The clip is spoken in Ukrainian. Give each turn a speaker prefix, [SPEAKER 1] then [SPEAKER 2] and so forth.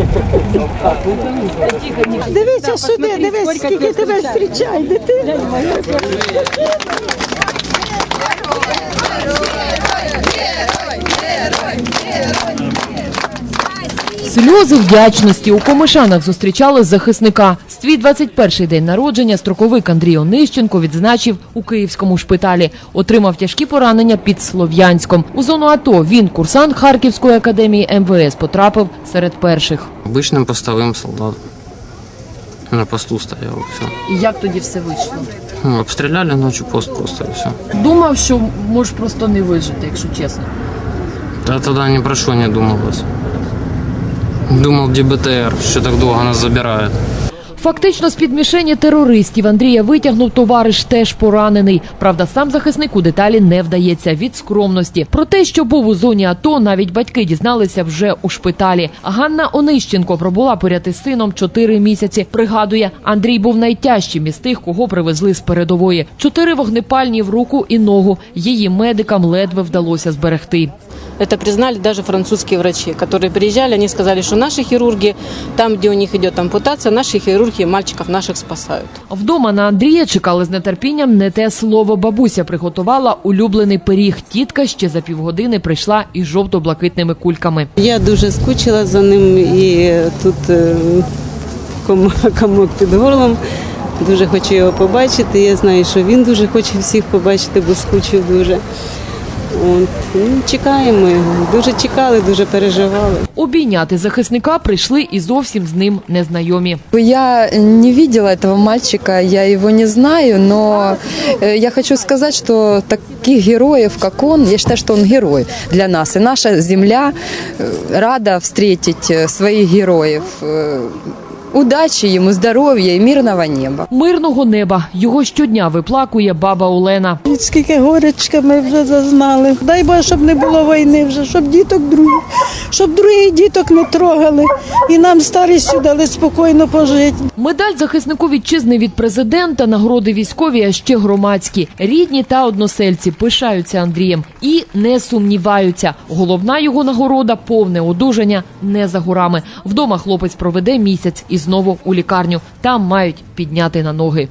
[SPEAKER 1] Дивіться сюди, дивись, скільки тебе зустрічає, дитина.
[SPEAKER 2] Сльози вдячності у Комишанах зустрічали захисника. Свій 21-й день народження строковик Андрій Онищенко відзначив у київському шпиталі. Отримав тяжкі поранення під Слов'янськом. У зону АТО він, курсант Харківської академії МВС, потрапив серед перших.
[SPEAKER 3] Обичним постовим солдатом. На посту стояв, все.
[SPEAKER 2] І як тоді все вийшло?
[SPEAKER 3] Обстріляли ночі пост просто і все.
[SPEAKER 2] Думав, що можеш просто не вижити, якщо чесно.
[SPEAKER 3] Та тоді ні про що не думалось. Думав, ДБТР, що так довго нас забирають.
[SPEAKER 2] Фактично з-під мішені терористів Андрія витягнув товариш, теж поранений. Правда, сам захисник у деталі не вдається від скромності. Про те, що був у зоні АТО, навіть батьки дізналися вже у шпиталі. Ганна Онищенко пробула поряд із сином 4 місяці. Пригадує, Андрій був найтяжчим із тих, кого привезли з передової. 4 вогнепальні в руку і ногу. Її медикам ледве вдалося зберегти.
[SPEAKER 4] Это признали даже французские врачи, которые приезжали, они сказали, что наши хирурги, там, где у них идет ампутация, наши хирурги мальчиков наших спасают.
[SPEAKER 2] Вдома на Андрія чекали з нетерпінням не те слово. Бабуся приготувала улюблений пиріг. Тітка ще за півгодини прийшла із жовто-блакитними кульками.
[SPEAKER 1] Я дуже скучила за ним і тут комок під горлом. Дуже хочу його побачити. Я знаю, що він дуже хоче всіх побачити, бо скучив дуже. Чекаємо його. Дуже чекали, дуже переживали.
[SPEAKER 2] Обійняти захисника прийшли і зовсім з ним незнайомі.
[SPEAKER 5] Я не видела этого мальчика, я его не знаю, но я хочу сказать, что таких героев, как он, я считаю, что он герой для нас. И наша земля рада встретить своих героев. Удачі йому, здоров'я і мирного неба.
[SPEAKER 2] Мирного неба. Його щодня виплакує баба Олена.
[SPEAKER 1] Скільки горечка ми вже зазнали. Дай Боже, щоб не було війни вже, щоб діток других, щоб других діток не трогали. І нам старістю дали спокійно пожити.
[SPEAKER 2] Медаль захиснику вітчизни від президента, нагороди військові, а ще громадські. Рідні та односельці пишаються Андрієм і не сумніваються. Головна його нагорода – повне одужання не за горами. Вдома хлопець проведе місяць і знову у лікарню. Там мають підняти на ноги.